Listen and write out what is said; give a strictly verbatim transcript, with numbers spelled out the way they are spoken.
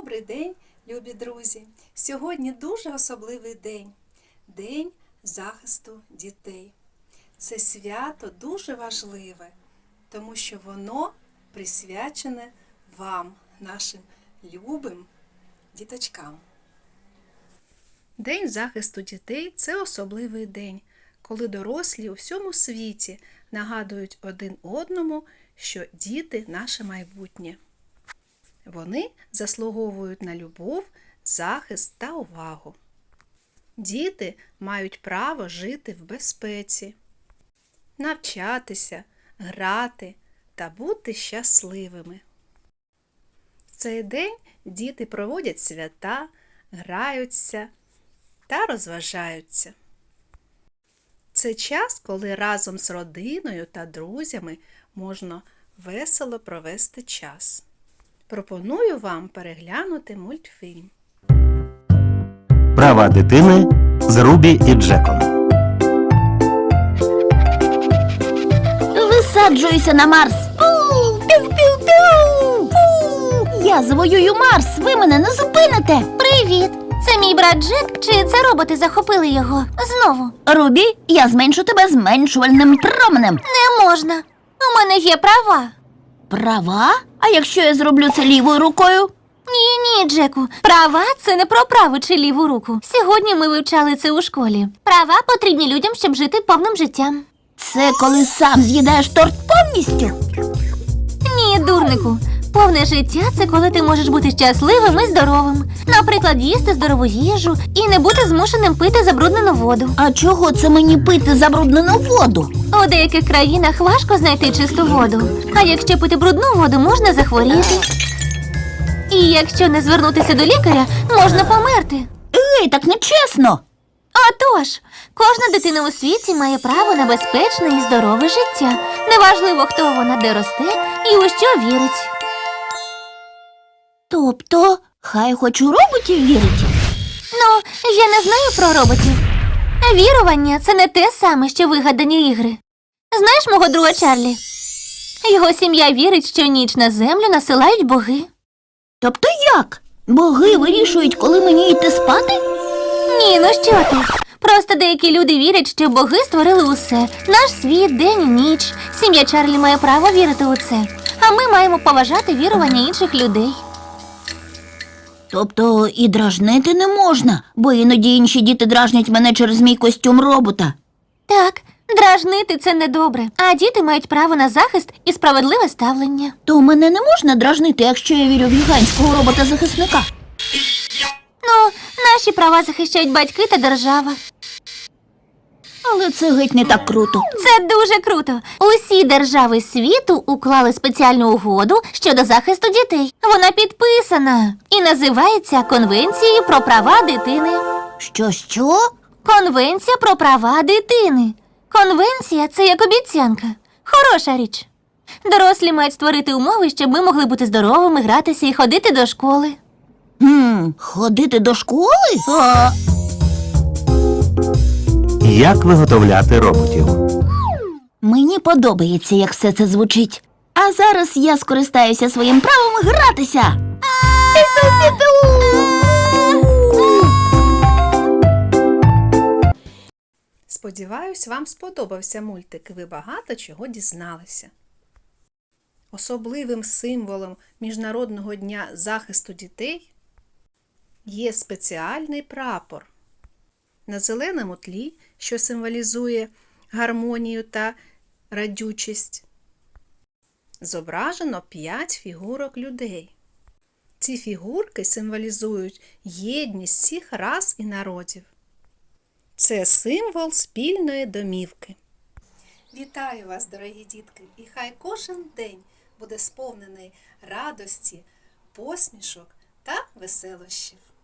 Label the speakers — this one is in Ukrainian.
Speaker 1: Добрий день, любі друзі! Сьогодні дуже особливий день – День захисту дітей. Це свято дуже важливе, тому що воно присвячене вам, нашим любим діточкам. День захисту дітей – це особливий день, коли дорослі у всьому світі нагадують один одному, що діти – наше майбутнє. Вони заслуговують на любов, захист та увагу. Діти мають право жити в безпеці, навчатися, грати та бути щасливими. В цей день діти проводять свята, граються та розважаються. Це час, коли разом з родиною та друзями можна весело провести час. Пропоную вам переглянути мультфільм.
Speaker 2: Права дитини з Рубі і Джеком.
Speaker 3: Висаджуюся на Марс. Пу-пу-пу-пу. Пу. Я завоюю Марс, ви мене не зупините.
Speaker 4: Привіт! Це мій брат Джек, чи це роботи захопили його? Знову.
Speaker 3: Рубі, я зменшу тебе зменшувальним променем.
Speaker 4: Не можна. У мене є права.
Speaker 3: Права? А якщо я зроблю це лівою рукою?
Speaker 4: Ні-ні, Джеку. Права – це не про праву чи ліву руку. Сьогодні ми вивчали це у школі. Права потрібні людям, щоб жити повним життям.
Speaker 3: Це коли сам з'їдаєш торт повністю?
Speaker 4: Ні, дурнику. Повне життя – це коли ти можеш бути щасливим і здоровим. Наприклад, їсти здорову їжу і не бути змушеним пити забруднену воду.
Speaker 3: А чого це мені пити забруднену воду?
Speaker 4: У деяких країнах важко знайти чисту воду. А якщо пити брудну воду, можна захворіти. І якщо не звернутися до лікаря, можна померти.
Speaker 3: Ей, так нечесно.
Speaker 4: Отож, кожна дитина у світі має право на безпечне і здорове життя. Неважливо, хто вона, де росте і у що вірить.
Speaker 3: Тобто, хай хоч у роботів вірить?
Speaker 4: Ну, я не знаю про роботів. Вірування – це не те саме, що вигадані ігри. Знаєш мого друга Чарлі? Його сім'я вірить, що ніч на землю насилають боги.
Speaker 3: Тобто як? Боги вирішують, коли мені йти спати?
Speaker 4: Ні, ну що ти? Просто деякі люди вірять, що боги створили усе. Наш світ, день і ніч. Сім'я Чарлі має право вірити у це. А ми маємо поважати вірування інших людей.
Speaker 3: Тобто і дражнити не можна, бо іноді інші діти дражнять мене через мій костюм робота.
Speaker 4: Так, дражнити – це недобре. А діти мають право на захист і справедливе ставлення.
Speaker 3: То мене не можна дражнити, якщо я вірю в гігантського робота-захисника.
Speaker 4: Ну, наші права захищають батьки та держава.
Speaker 3: Але це геть не так круто.
Speaker 4: Це дуже круто. Усі держави світу уклали спеціальну угоду щодо захисту дітей. Вона підписана і називається Конвенцією про права дитини.
Speaker 3: Що-що?
Speaker 4: Конвенція про права дитини. Конвенція – це як обіцянка. Хороша річ. Дорослі мають створити умови, щоб ми могли бути здоровими, гратися і ходити до школи.
Speaker 3: Хм, ходити до школи? А...
Speaker 2: Як виготовляти роботів?
Speaker 3: Мені подобається, як все це звучить. А зараз я скористаюся своїм правом гратися.
Speaker 1: Сподіваюсь, вам сподобався мультик і ви багато чого дізналися. Особливим символом Міжнародного дня захисту дітей є спеціальний прапор. На зеленому тлі, що символізує гармонію та радючість, зображено п'ять фігурок людей. Ці фігурки символізують єдність всіх рас і народів. Це символ спільної домівки. Вітаю вас, дорогі дітки, і хай кожен день буде сповнений радості, посмішок та веселощів.